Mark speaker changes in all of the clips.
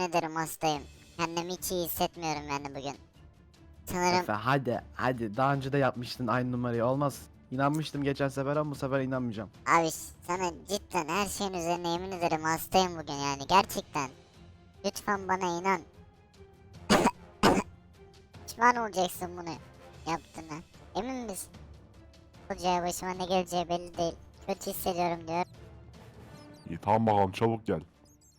Speaker 1: ederim hastayım. Kendimi hiç iyi hissetmiyorum yani bugün. Sanırım
Speaker 2: Efe hadi daha önce de yapmıştın aynı numarayı, olmaz. İnanmıştım geçen sefer ama bu sefer inanmayacağım.
Speaker 1: abi sana cidden her şeyin üzerine yemin ederim hastayım bugün yani gerçekten. Lütfen bana inan. Pişman olacaksın bunu yaptığına. Emin misin? Olacağı başıma ne geleceği belli değil. Kötü hissediyorum diyor.
Speaker 3: İyi tamam bakalım çabuk gel.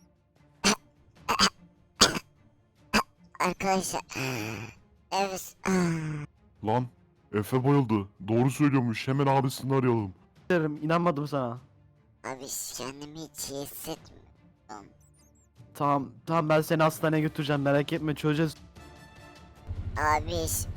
Speaker 1: Arkadaşlar. Evet.
Speaker 3: Lan Efe bayıldı. Doğru söylüyormuş. Hemen abisini arayalım.
Speaker 2: Derim, inanmadım sana.
Speaker 1: Abi kendimi hiç iyi hissetmiyorum.
Speaker 2: Tamam ben seni hastaneye götüreceğim, merak etme, çözeceğiz.
Speaker 1: Abi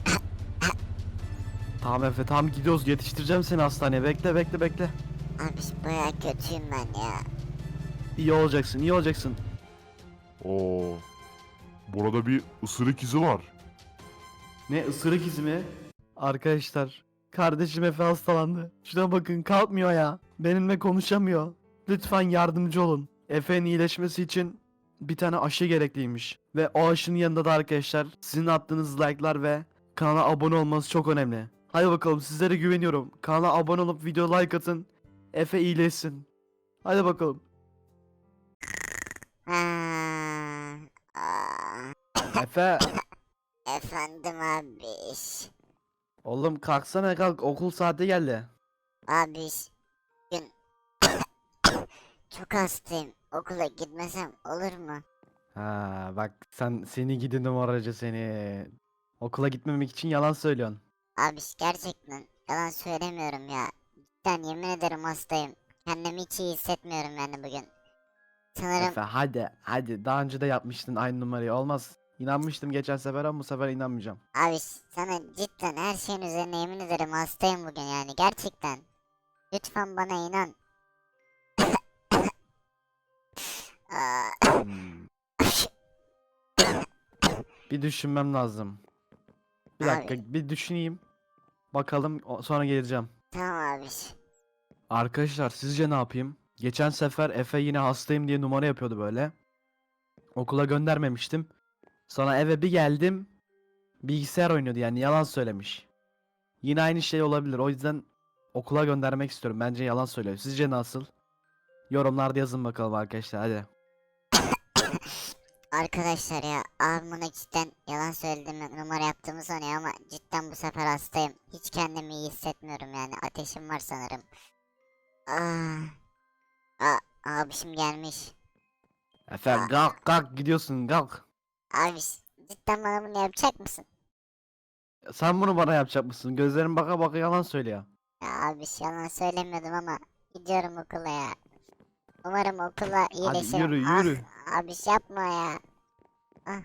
Speaker 2: Tamam Efe, tamam gidiyoruz, yetiştireceğim seni hastaneye, bekle.
Speaker 1: abi bayağı kötüyüm ben ya.
Speaker 2: İyi olacaksın.
Speaker 3: Oo. Burada bir ısırık izi var.
Speaker 2: Ne, ısırık izi mi? Arkadaşlar, kardeşim Efe hastalandı. Şuna bakın, kalkmıyor ya. Benimle konuşamıyor. Lütfen yardımcı olun. Efe'nin iyileşmesi için bir tane aşı gerekliymiş. Ve o aşının yanında da arkadaşlar sizin attığınız like'lar ve kanala abone olmanız çok önemli. Hadi bakalım, sizlere güveniyorum. Kanala abone olup video like atın. Efe iyileşsin. Hadi bakalım.
Speaker 1: Ha, aa,
Speaker 2: Efe.
Speaker 1: efendim abi.
Speaker 2: Oğlum kalksana, kalk, okul saati geldi.
Speaker 1: Abi bugün çok hastayım. Okula gitmesem olur mu?
Speaker 2: Ha bak, seni gidi numaracı seni. Okula gitmemek için yalan söylüyorsun.
Speaker 1: Abi gerçekten yalan söylemiyorum ya. Cidden yemin ederim hastayım. Kendimi hiç iyi hissetmiyorum yani bugün. Sanırım
Speaker 2: Efe hadi daha önce de yapmıştın aynı numarayı, olmaz. İnanmıştım geçen sefer ama bu sefer inanmayacağım.
Speaker 1: abi sana cidden her şeyin üzerine yemin ederim hastayım bugün yani gerçekten. Lütfen bana inan. Aa,
Speaker 2: Hmm, Bir düşünmem lazım. Bir
Speaker 1: Abi.
Speaker 2: dakika, bir düşüneyim. Bakalım, sonra geleceğim.
Speaker 1: tamam abi.
Speaker 2: Arkadaşlar sizce ne yapayım? Geçen sefer Efe yine hastayım diye numara yapıyordu böyle. Okula göndermemiştim. Sonra eve bir geldim. Bilgisayar oynuyordu, yani yalan söylemiş. Yine aynı şey olabilir. O yüzden okula göndermek istiyorum. Bence yalan söylüyor. Sizce nasıl? Yorumlarda yazın bakalım arkadaşlar, hadi.
Speaker 1: Arkadaşlar ya abim bana cidden yalan söylediğimi numara yaptığımı sanıyor ama cidden bu sefer hastayım. Hiç kendimi iyi hissetmiyorum yani ateşim var sanırım. Abişim gelmiş.
Speaker 2: Efe kalk gidiyorsun, kalk.
Speaker 1: Abi cidden bana bunu yapacak mısın?
Speaker 2: Sen bunu bana yapacak mısın? Gözlerin baka baka yalan söylüyor.
Speaker 1: Ya abiş yalan söylemiyordum ama gidiyorum okula ya. Umarım okula
Speaker 2: Hadi
Speaker 1: iyileşirim.
Speaker 2: yürü.
Speaker 1: Abiş yapma ya. Ah.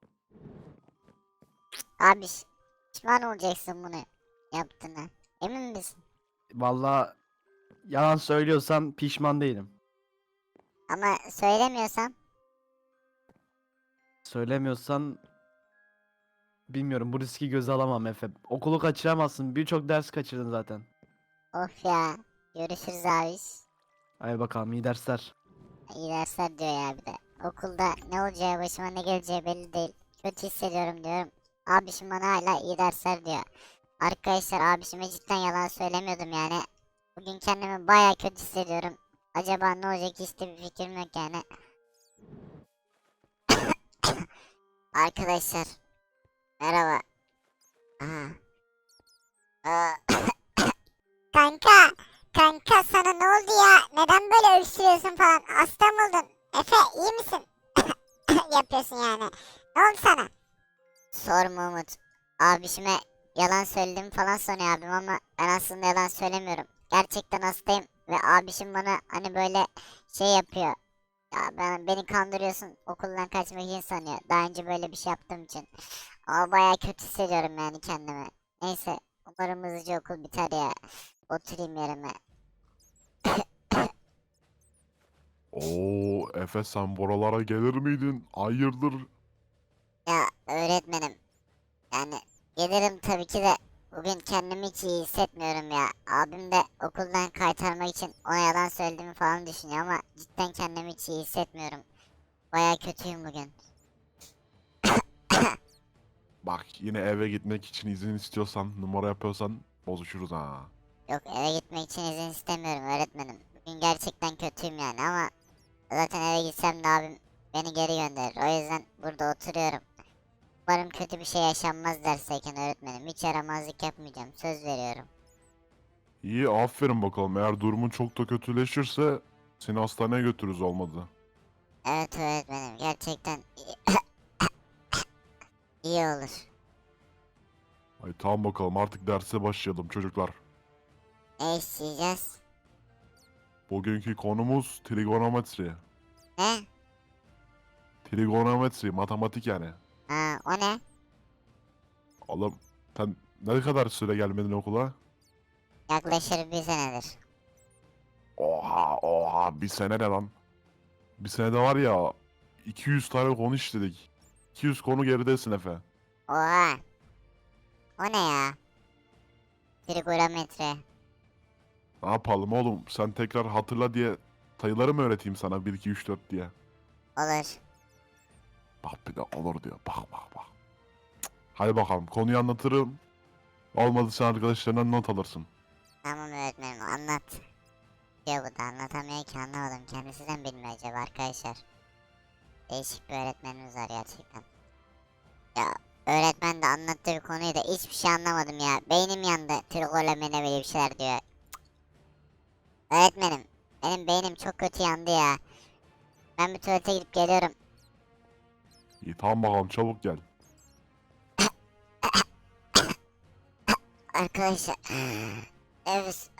Speaker 1: Abiş pişman olacaksın bunu yaptığına. Emin misin?
Speaker 2: Vallahi yalan söylüyorsan pişman değilim.
Speaker 1: Ama söylemiyorsam
Speaker 2: Söylemiyorsan bilmiyorum, bu riski göze alamam Efe. Okulu kaçıramazsın. Birçok ders kaçırdın zaten.
Speaker 1: of ya. Görüşürüz abiş.
Speaker 2: Hadi bakalım, iyi dersler.
Speaker 1: İyi dersler diyor ya bir de. Okulda ne olacağı başıma ne geleceği belli değil. Kötü hissediyorum diyorum. Abişim bana hala iyi dersler diyor. Arkadaşlar abişime cidden yalan söylemiyordum yani. Bugün kendimi baya kötü hissediyorum. Acaba ne olacak hiç de bir fikrim yok yani. Arkadaşlar merhaba. Aha. Aa, kanka sana ne oldu ya? Neden böyle öksürüyorsun falan? Hasta mı oldun? Efe iyi misin? Yapıyorsun yani. Ne oldu sana? Sorma Umut. Abişime yalan söyledim falan sanıyor abim ama ben aslında yalan söylemiyorum. Gerçekten hastayım ve abişim bana hani böyle şey yapıyor. Ya beni kandırıyorsun okuldan kaçmak için sanıyor. Daha önce böyle bir şey yaptığım için. Ama baya kötü hissediyorum yani kendimi. Neyse umarım hızlıca okul biter ya. Oturayım yerime.
Speaker 3: Oo Efe sen buralara gelir miydin? Hayırdır?
Speaker 1: Ya öğretmenim yani gelirim tabii ki de bugün kendimi hiç iyi hissetmiyorum ya. Abim de okuldan kaytarmak için ona yalan söylediğimi falan düşünüyor ama cidden kendimi hiç iyi hissetmiyorum. Baya kötüyüm bugün.
Speaker 3: Bak yine eve gitmek için izin istiyorsan, numara yapıyorsan bozuşuruz ha.
Speaker 1: Yok, eve gitmek için izin istemiyorum öğretmenim. Bugün gerçekten kötüyüm yani ama zaten eve gitsem de abim beni geri gönderir. O yüzden burada oturuyorum. Umarım kötü bir şey yaşanmaz dersteyken öğretmenim. Hiç yaramazlık yapmayacağım, söz veriyorum.
Speaker 3: İyi, aferin bakalım. Eğer durumun çok da kötüleşirse seni hastaneye götürürüz olmadı.
Speaker 1: Evet öğretmenim, gerçekten iyi olur.
Speaker 3: Ay tamam bakalım, artık derse başlayalım çocuklar.
Speaker 1: Ne isteyeceğiz?
Speaker 3: Bugünkü konumuz trigonometri.
Speaker 1: Ne?
Speaker 3: Trigonometri, matematik yani.
Speaker 1: Ha, o ne?
Speaker 3: Oğlum sen ne kadar süre gelmedin okula?
Speaker 1: Yaklaşır bir senedir.
Speaker 3: Oha, bir sene ne lan? Bir senede var ya 200 tane konu işledik. 200 konu geridesin Efe.
Speaker 1: Oha. O ne ya? Trigonometre.
Speaker 3: Ne yapalım oğlum, sen tekrar hatırla diye sayıları mı öğreteyim sana, 1 2 3 4 diye.
Speaker 1: Olur.
Speaker 3: Bak bir de olur diyor, bak. Cık. Hadi bakalım, konuyu anlatırım. Olmadı sen arkadaşlarından not alırsın.
Speaker 1: Tamam öğretmenim, anlat. Diyor bu da anlatamıyor ki, anlamadım. Kendisi de mi bilmiyor acaba arkadaşlar? Değişik bir öğretmenimiz var gerçekten. Ya öğretmen de anlattığı bir konuyu da hiçbir şey anlamadım ya. Beynim yandı. Trigonometri böyle bir şeyler diyor. Öğretmenim, benim beynim çok kötü yandı ya. Ben bir tuvalete gidip geliyorum.
Speaker 3: İyi tamam bakalım, çabuk gel.
Speaker 1: Arkadaşlar. Evet.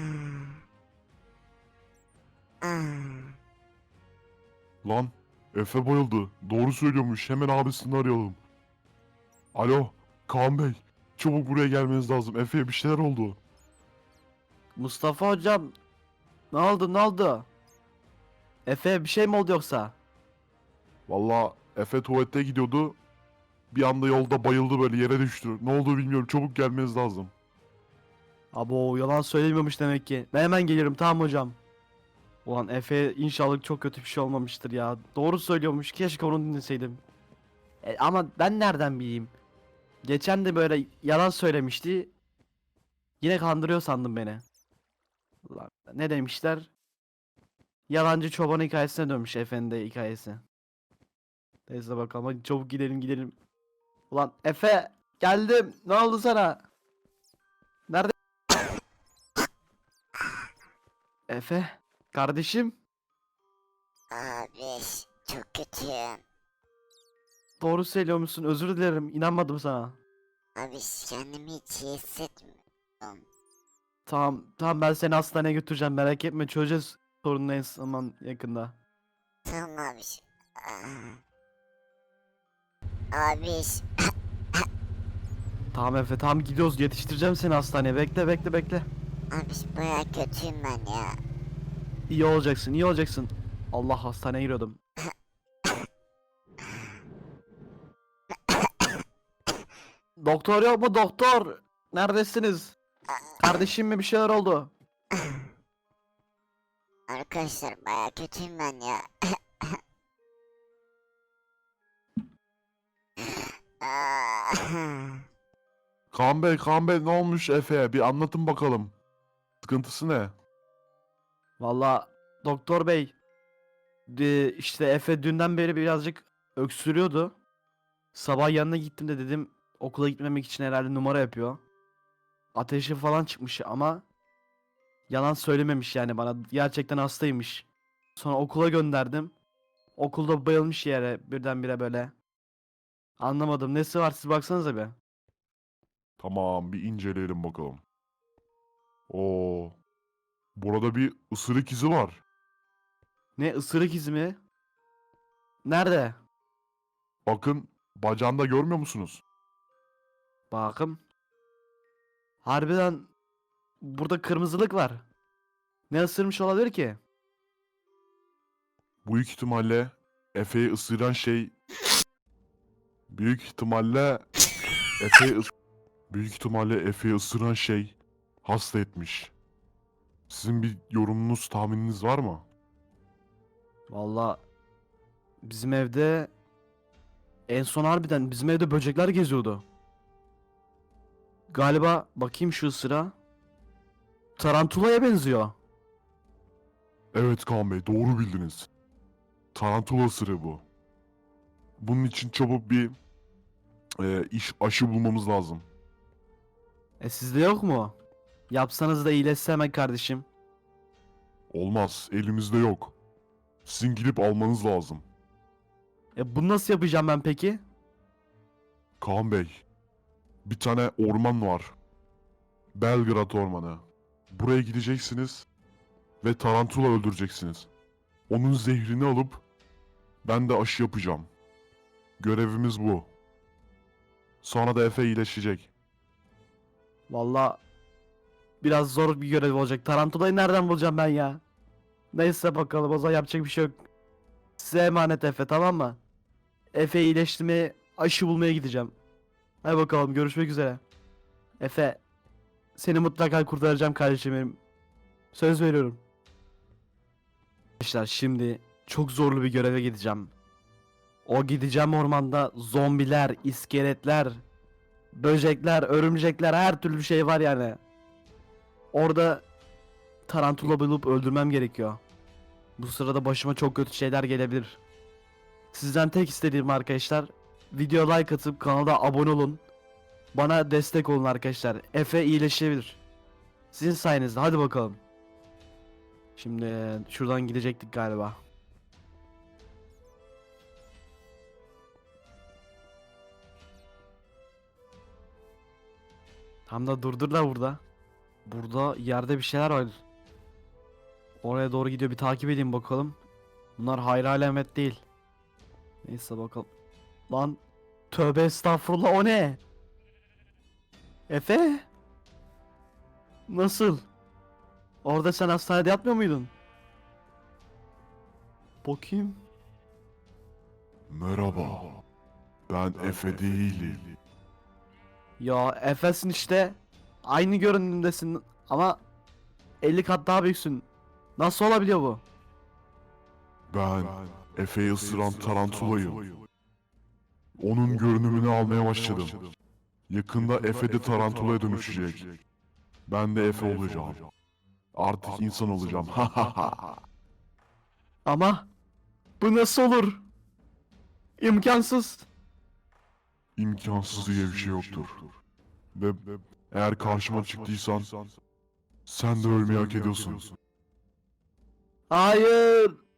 Speaker 3: Lan Efe bayıldı. Doğru söylüyormuş, hemen abisini arayalım. Alo Kaan Bey, çabuk buraya gelmeniz lazım. Efe'ye bir şeyler oldu.
Speaker 2: Mustafa hocam, ne oldu? Efe bir şey mi oldu yoksa?
Speaker 3: Valla Efe tuvalete gidiyordu. Bir anda yolda bayıldı, böyle yere düştü. Ne olduğu bilmiyorum, çabuk gelmeniz lazım.
Speaker 2: Abo, yalan söylemiyormuş demek ki. Ben hemen gelirim, tamam hocam. Ulan Efe, inşallah çok kötü bir şey olmamıştır ya. Doğru söylüyormuş, keşke onu dinleseydim. Ama ben nereden bileyim? Geçen de böyle yalan söylemişti. Yine kandırıyor sandım beni. Ulan, ne demişler? Yalancı çoban hikayesine dönmüş Efe'nin de hikayesi. Neyse bakalım, hadi çabuk gidelim. Ulan Efe, geldim. Ne oldu sana? Nerede? Efe, kardeşim.
Speaker 1: Abi çok kötüyüm.
Speaker 2: Doğru söylüyormuşsun, özür dilerim, inanmadım sana.
Speaker 1: Abi kendimi hiç iyi hissetmiyorum.
Speaker 2: Tamam, ben seni hastaneye götüreceğim, merak etme, çözeceğiz sorunu en zaman yakında.
Speaker 1: Tamam abi. Abi
Speaker 2: Tamam Efe, tamam, gidiyoruz, yetiştireceğim seni hastaneye, bekle.
Speaker 1: abi baya kötüyüm ben ya.
Speaker 2: İyi olacaksın. Allah, hastaneye giriyordum. Doktor yok mu, doktor? Neredesiniz? Kardeşim mi, bir şeyler oldu?
Speaker 1: Arkadaşlar baya kötüyüm ben ya.
Speaker 3: Kaan Bey, ne olmuş Efe'ye? Bir anlatın bakalım. Sıkıntısı ne?
Speaker 2: Valla doktor bey, işte Efe dünden beri birazcık öksürüyordu. Sabah yanına gittim de dedim okula gitmemek için herhalde numara yapıyor. Ateşi falan çıkmış ama yalan söylememiş yani bana. Gerçekten hastaymış. Sonra okula gönderdim. Okulda bayılmış yere birdenbire böyle. Anlamadım. Nesi var, siz baksanıza bir.
Speaker 3: Tamam, bir inceleyelim bakalım. Oo, burada bir ısırık izi var.
Speaker 2: Ne, ısırık izi mi? Nerede?
Speaker 3: Bakın, bacağında görmüyor musunuz?
Speaker 2: Bakım. Harbiden burada kırmızılık var. Ne ısırmış olabilir ki?
Speaker 3: Büyük ihtimalle Efe'yi ısıran şey... Büyük ihtimalle Efe'yi ıs- Büyük ihtimalle Efe'yi ısıran şey hasta etmiş. Sizin bir yorumunuz, tahmininiz var mı?
Speaker 2: Valla Bizim evde en son harbiden bizim evde böcekler geziyordu. Galiba bakayım şu ısıra. Tarantulaya benziyor.
Speaker 3: Evet Kaan Bey, doğru bildiniz. Tarantula ısırığı bu. Bunun için çabuk bir aşı bulmamız lazım.
Speaker 2: Sizde yok mu? Yapsanız da iyileşse hemen kardeşim.
Speaker 3: Olmaz, elimizde yok. Sizin gidip almanız lazım.
Speaker 2: Bunu nasıl yapacağım ben peki?
Speaker 3: Kaan Bey, bir tane orman var. Belgrad Ormanı. Buraya gideceksiniz ve tarantula öldüreceksiniz. Onun zehrini alıp ben de aşı yapacağım. Görevimiz bu. Sonra da Efe iyileşecek.
Speaker 2: Valla biraz zor bir görev olacak. Tarantulayı nereden bulacağım ben ya? Neyse bakalım, o zaman yapacak bir şey yok. Size emanet Efe, tamam mı? Efe iyileştirmeye, aşı bulmaya gideceğim. Hadi bakalım, görüşmek üzere. Efe, seni mutlaka kurtaracağım kardeşim benim. Söz veriyorum. Arkadaşlar şimdi çok zorlu bir göreve gideceğim. O gideceğim ormanda zombiler, iskeletler, böcekler, örümcekler, her türlü şey var yani. Orada tarantula bulup öldürmem gerekiyor. Bu sırada başıma çok kötü şeyler gelebilir. Sizden tek istediğim arkadaşlar, video like atıp kanala abone olun. Bana destek olun arkadaşlar. Efe iyileşebilir. Sizin sayenizde, hadi bakalım. Şimdi şuradan gidecektik galiba. Tam da durdurlar burada. Burada yerde bir şeyler var. Oraya doğru gidiyor, bir takip edeyim bakalım. Bunlar hayra alamet değil. Neyse bakalım. Lan tövbe estağfurullah, o ne? Efe? Nasıl? Orada sen hastanede yatmıyor muydun? Bakayım.
Speaker 3: Merhaba. Ben Efe değilim.
Speaker 2: Ya Efe'sin işte. Aynı görünümdesin ama 50 kat daha büyüksün. Nasıl olabiliyor bu?
Speaker 3: Ben Efe'yi ısıran tarantulayım. Onun görünümünü almaya başladım. Yakında Efe de tarantulaya dönüşecek. Ben de Efe olacağım. Artık insan olacağım.
Speaker 2: Ama bu nasıl olur? İmkansız.
Speaker 3: İmkansız diye bir şey yoktur. Ve eğer karşıma çıktıysan sen de ölmeyi hak ediyorsun.
Speaker 2: Hayır.